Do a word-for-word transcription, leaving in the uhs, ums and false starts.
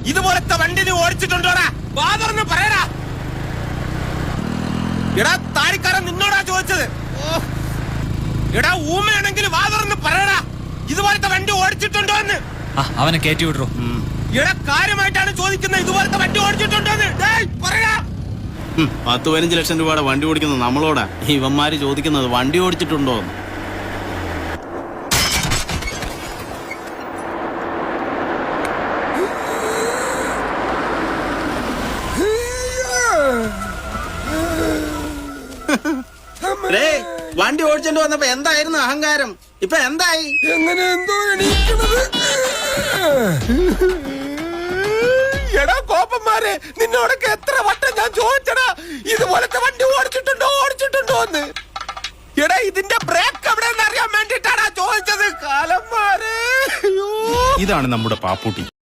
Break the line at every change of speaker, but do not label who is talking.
ഇതുപോലത്തെ വണ്ടി നീ ഓടിച്ചിട്ടുണ്ടോടാ? വാതർന്ന് പറയടാ. എടാ താടിക്കാരൻ നിന്നോടാ ചോദിച്ചത്. എടാ ഊമയാണെങ്കിൽ വാതർന്ന് പറയടാ, ഇതുപോലത്തെ വണ്ടി ഓടിച്ചിട്ടുണ്ടോ എന്ന്.
അവനെ കയറ്റി വിടറോ.
എടാ കാര്യമായിട്ടാണ് ചോദിക്കുന്നത്, ഇതുപോലത്തെ വണ്ടി ഓടിച്ചിട്ടുണ്ടോ എന്ന്. പറയാ.
പത്ത് പതിനഞ്ച് ലക്ഷം രൂപയുടെ വണ്ടി ഓടിക്കുന്നത് നമ്മളോടാ. ഇവന്മാര് ചോദിക്കുന്നത് വണ്ടി ഓടിച്ചിട്ടുണ്ടോ എന്ന്. വണ്ടി ഓടിച്ചോണ്ട് വന്നപ്പോ എന്തായിരുന്നു അഹങ്കാരം? ഇപ്പൊ എന്തായി?
എങ്ങനെ എന്തോ എണീക്കണത്. എടാ കോപ്പന്മാരെ, നിന്നോടൊക്കെ എത്ര വട്ടം ഞാൻ ചോദിച്ചടാ, ഇതുപോലത്തെ വണ്ടി ഓടിച്ചിട്ടുണ്ടോ ഓടിച്ചിട്ടുണ്ടോ എന്ന്. എടാ ഇതിന്റെ ബ്രേക്ക് എവിടെയെന്ന് അറിയാൻ വേണ്ടിട്ടാടാ ചോദിച്ചത്. കാലന്മാരെ,
ഇതാണ് നമ്മുടെ പാപ്പൂട്ടി.